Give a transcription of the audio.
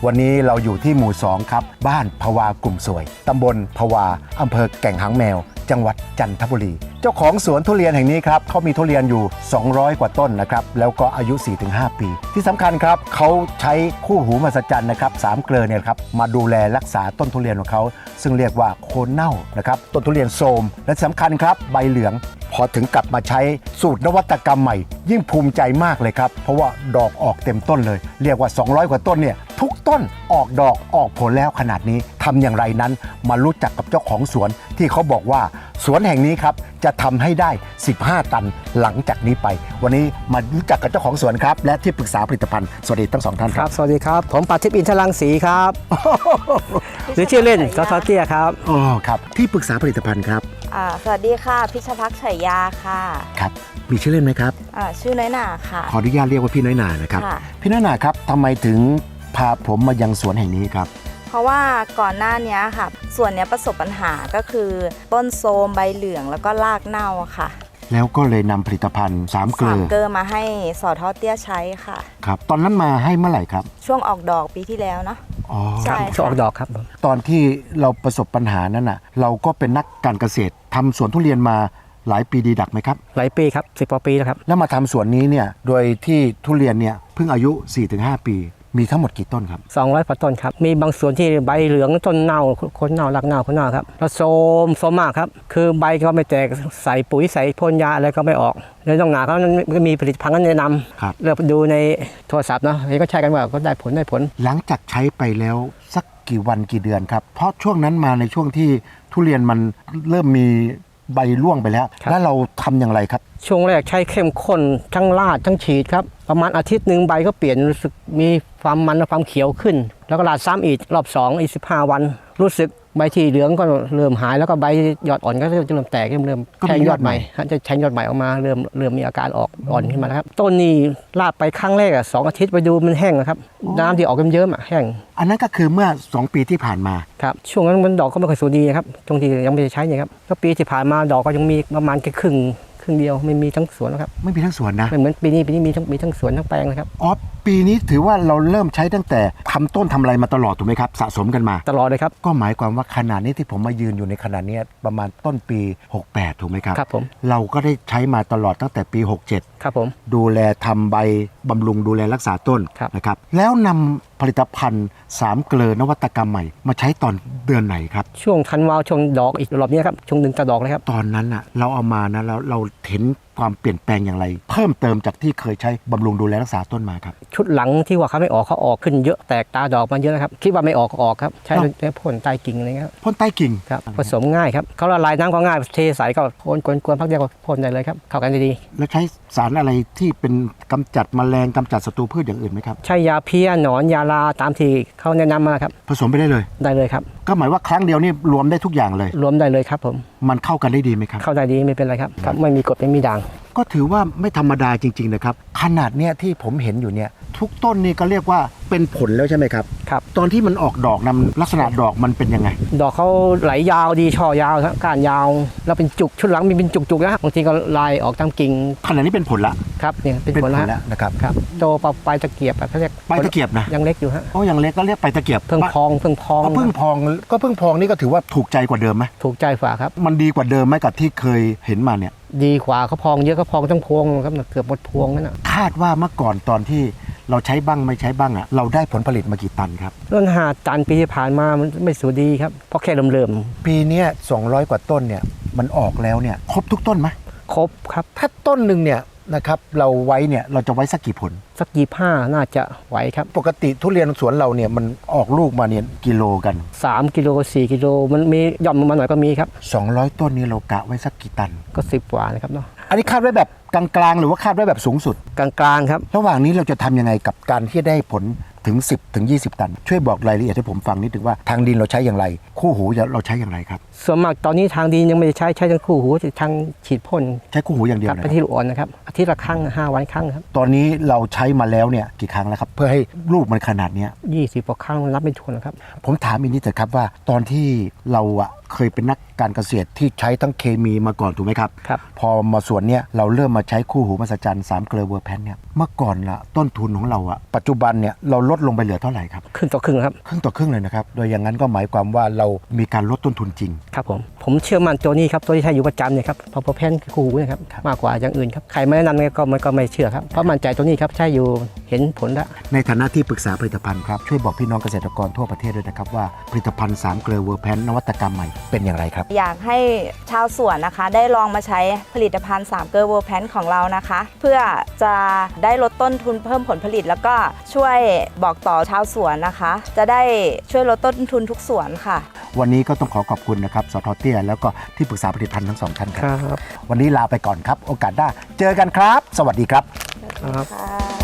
วันนี้เราอยู่ที่หมู่2ครับบ้านภวากลุ่มสวยตำบลภวาอำเภอแก่งหางแมวจังหวัดจันทบุรีเจ้าของสวนทุเรียนแห่งนี้ครับเขามีทุเรียนอยู่200กว่าต้นนะครับแล้วก็อายุ 4-5 ปีที่สำคัญครับเขาใช้คู่หูมหัศจรรย์นะครับ3 เกลอเนี่ยครับมาดูแลรักษาต้นทุเรียนของเขาซึ่งเรียกว่าโคนเน่านะครับต้นทุเรียนโทรมและสำคัญครับใบเหลืองพอถึงกลับมาใช้สูตรนวัตกรรมใหม่ยิ่งภูมิใจมากเลยครับเพราะว่าดอกออกเต็มต้นเลยเรียกว่า200กว่าต้นเนี่ยทุกต้นออกดอกออกผลแล้วขนาดนี้ทำอย่างไรนั้นมารู้จักกับเจ้าของสวนที่เขาบอกว่าสวนแห่งนี้ครับจะทำให้ได้15 ตันหลังจากนี้ไปวันนี้มารู้จักกับเจ้าของสวนครับและที่ปรึกษาผลิตภัณฑ์สวัสดีทั้ง2 ท่านครับสวัสดีครับผมปาทิพย์อินทรังสีครับหรือชื่อเล่นสท.เตี้ยครับอ๋อครับที่ปรึกษาผลิตภัณฑ์ครับสวัสดีค่ะพิชภักษ์ฉายาค่ะครับมีชื่อเล่นไหมครับชื่อน้อยหนาค่ะขออนุญาตเรียกว่าพี่น้อยหนานะครับพี่น้อยหนาครับทำไมถึงพาผมมายังสวนแห่งนี้ครับเพราะว่าก่อนหน้านี้ค่ะสวนนี้ประสบปัญหาก็คือต้นโทรมใบเหลืองแล้วก็รากเน่าค่ะแล้วก็เลยนำผลิตภัณฑ์3 เกลอมาให้สท.เตี้ยใช้ค่ะครับตอนนั้นมาให้เมื่อไหร่ครับช่วงออกดอกปีที่แล้วเนาะอ๋อใช่ช่วงออกดอกครับตอนที่เราประสบปัญหานั้นน่ะเราก็เป็นนักการเกษตรทำสวนทุเรียนมาหลายปีดีดักไหมครับหลายปีครับ10 กว่าปีแล้วครับแล้วมาทำสวนนี้เนี่ยโดยที่ทุเรียนเนี่ยเพิ่งอายุ 4-5 ปีมีทั้งหมดกี่ต้นครับ 200 กว่าต้นครับมีบางส่วนที่ใบเหลืองต้นเน่าคนเน่ารากเน่าคนเน่าครับแล้วโทรมมากครับคือใบก็ไม่แตกใส่ปุ๋ยใส่พ่นยาอะไรก็ไม่ออกเลยต้องหนาเขามีผลิตภัณฑ์นั้นแนะนำเลือกดูในโทรศัพท์เนาะนี่ก็ใช้กันว่าก็ได้ผลหลังจากใช้ไปแล้วสักกี่วันกี่เดือนครับเพราะช่วงนั้นมาในช่วงที่ทุเรียนมันเริ่มมีใบร่วงไปแล้วแล้วเราทำอย่างไรครับช่วงแรกใช้เข้มข้นทั้งราดทั้งฉีดครับประมาณอาทิตย์หนึ่งใบก็เปลี่ยนรู้สึกมีความมันและความเขียวขึ้นแล้วก็ราดซ้ำอีกรอบ2อีก15 วันรู้สึกใบที่เหลืองก็เริ่มหายแล้วก็ใบยอดอ่อนก็จะเริ่มแตกเริ่มแทงยอดใหม่จะแทงยอดใหม่ออกมาเริ่มมีอาการออกอ่อนขึ้นมาแล้วครับต้นนี้ราดไปครั้งแรก2 อาทิตย์ไปดูมันแห้งนะครับน้ำที่ออกเยิ้มๆแห้งอันนั้นก็คือเมื่อ2 ปีที่ผ่านมาครับช่วงนั้นมันดอกก็ไม่ค่อยสวยดีครับตรงที่ยังไม่ได้ใช้เนี่ยครับก็ปีที่ผ่านมาดอกก็ยังมีประมาณแค่ครึ่งเดียวไม่มีทั้งสวนนะครับไม่มีทั้งสวนนะไม่เหมือนปีนี้มีทั้งสวนทั้งแปลงเลยครับอ๋อปีนี้ถือว่าเราเริ่มใช้ตั้งแต่ทำต้นทำอะไรมาตลอดถูกไหมครับสะสมกันมาตลอดเลยครับก็หมายความว่าขนาดนี้ที่ผมมายืนอยู่ในขนาดนี้ประมาณต้นปี68ถูกไหมครับครับผมเราก็ได้ใช้มาตลอดตั้งแต่ปี67 ครับผมดูแลทำใบบำรุงดูแลรักษาต้นนะครับแล้วนำผลิตภัณฑ์3 เกลอนวัตกรรมใหม่มาใช้ตอนเดือนไหนครับช่วงธันวาช่วงดอกอีกรอบนี้ครับช่วง1 จะดอกเลยครับตอนนั้นอ่ะเราเอามานะแล้วเราเห็นความเปลี่ยนแปลงอย่างไรเพิ่มเติมจากที่เคยใช้บำรุงดูแลรักษาต้นมาครับชุดหลังที่ว่าเขาไม่ออกเขาออกขึ้นเยอะแตกตาดอกมาเยอะนะครับคิดว่าไม่ออกก็ออกครับใช้พ่นใต้กิ่งอะไรเงี้ยพ่นใต้กิ่งครับผสมง่ายครับเขาละลายน้ำก็ง่ายเทใส่ก็พ่นกวนๆพักเดียวก็พ่นได้เลยครับเข้ากันดีแล้วใช้สารอะไรที่เป็นกำจัดแมลงกำจัดศัตรูพืชอย่างอื่นไหมครับใช้ยาเพี้ยหนอนยาลาตามที่เขาแนะนำมาครับผสมไปได้เลยครับก็หมายว่าครั้งเดียวนี่รวมได้ทุกอย่างเลยรวมได้เลยครับผมมันเข้ากันได้ดีไหมครับเข้าได้ดีไม่เป็นไรครับไม่มีกรดไม่มีด่างก็ถือว่าไม่ธรรมดาจริงๆนะครับขนาดเนี้ยที่ผมเห็นอยู่เนี่ยทุกต้นนี่ก็เรียกว่าเป็นผลแล้วใช่ไหมครับครับตอนที่มันออกดอกนำลักษณะดอกมันเป็นยังไงดอกเขาไหลยาวดีช่อยาวก้านยาวแล้วเป็นจุกชุดหลังมีเป็นจุกๆนะบางทีก็ลายออกตามกิ่งขนาดนี้เป็นผลละครับเนี่ยเป็นผลแล้วนะครับโตปลายตะเกียบเขาเรียกปลายตะเกียบนะยังเล็กอยู่ฮะอ๋อยังเล็กก็เรียกปลายตะเกียบเพิ่งพองก็เพิ่งพองนี่ก็ถือว่าถูกใจกว่าเดิมไหมถูกใจฝ่าครับมันดีกว่าเดิมไหมกับที่เคยเห็นมาเนี่ยดีกว่าเขาพองเยอะเขาพองทั้งพวงครับเกือบหมดพวงนั่นนะคาดว่าเมื่อก่อนตอนที่เราใช้บ้างไม่ใช้บ้างอ่ะเราได้ผลผลิตมากี่ตันครับต้น5 ตันปีที่ผ่านมามันไม่สวยดีครับเพราะแค่เริ่มปีนี้200 กว่าต้นเนี่ยมันออกแล้วเนี่ยครบทุกต้นไหมครบครับถ้าต้นหนึ่งเนี่ยนะครับเราไว้เนี่ยเราจะไว้สักกี่ผลสัก25น่าจะไหวครับปกติทุเรียนสวนเราเนี่ยมันออกลูกมาเนี่ยกิโลกัน 3 กิโล4 กิโลมันมีย่อมมาหน่อยก็มีครับ 200 ต้นนี้เรากะไว้สักกี่ตันก็10 กว่านะครับเนาะอันนี้คาดไว้แบบกลางๆหรือว่าคาดไว้แบบสูงสุดกลางๆครับระหว่างนี้เราจะทำยังไงกับการที่ได้ผลถึง10 ถึง 20 ตันช่วยบอกรายละเอียดให้ผมฟังนิดนึงว่าทางดินเราใช้อย่างไรคู่หูเราใช้อย่างไรครับส่วนมากตอนนี้ทางดินยังไม่ได้ใช้ทั้งคู่หูทางฉีดพ่นใช้คู่หูอย่างเดียวไปที่ลูกอ่อนนะครับอาทิตย์ละครั้ง5 วันครั้งครับตอนนี้เราใช้มาแล้วเนี่ยกี่ครั้งแล้วครับเพื่อให้ลูกมันขนาดนี้ 20 กว่าครั้งรับไม่ถ้วนนะครับผมถามอีกนิดเถอะครับว่าตอนที่เราเคยเป็นนักการเกษตรที่ใช้ทั้งเคมีมาก่อนถูกไหมครับครับพอมาสวนเนี้ยเราเริ่มมาใช้คู่หูมหัศจรรย์3 เกลือเวอร์แพนเนี่ยเมื่อก่อนละต้นทุนของเราอะปัจจุบันเนี่ยเราลดลงไปเหลือเท่าไหร่ครับครึ่งต่อครึ่งครับครึ่งต่อครึ่งเลยนะครับโดยอย่างนั้นก็หมายความว่าเรามีการลดต้นทุนจริงครับผมเชื่อมั่นตัวนี้ครับตัวที่ใช้อยู่ประจำเนี่ยครับพอแพนคู่หูนะครับครับมากกว่าอย่างอื่นครับใครไม่แนะนำเนี่ยก็ไม่เชื่อครับเพราะมั่นใจตัวนี้ครับใช้อยู่เห็นผลแล้วในฐานะที่ปรึกษาผลิตภัณฑ์ครับช่วยบอกพี่น้องเกษตรกรทั่วประเทศด้วยนะครับว่าผลิตภัณฑ์3 เกลือเวอร์แพนนวัตกรรมใหม่เป็นอย่างไรครับอยากให้ชาวสวนนะคะ ได้ลองมาใช้ผลิตภัณฑ์3 เกอร์เวอร์แพนของเรานะคะ เพื่อจะได้ลดต้นทุนเพิ่มผลผลิต แล้วก็ช่วยบอกต่อชาวสวนนะคะ จะได้ช่วยลดต้นทุนทุกสวนค่ะวันนี้ก็ต้องขอบคุณนะครับสทเตี้ยแล้วก็ที่ปรึกษาผลิตภัณฑ์ทั้งสองท่านครับครับวันนี้ลาไปก่อนครับโอกาสหน้าเจอกันครับ สวัสดีครับครับค่ะ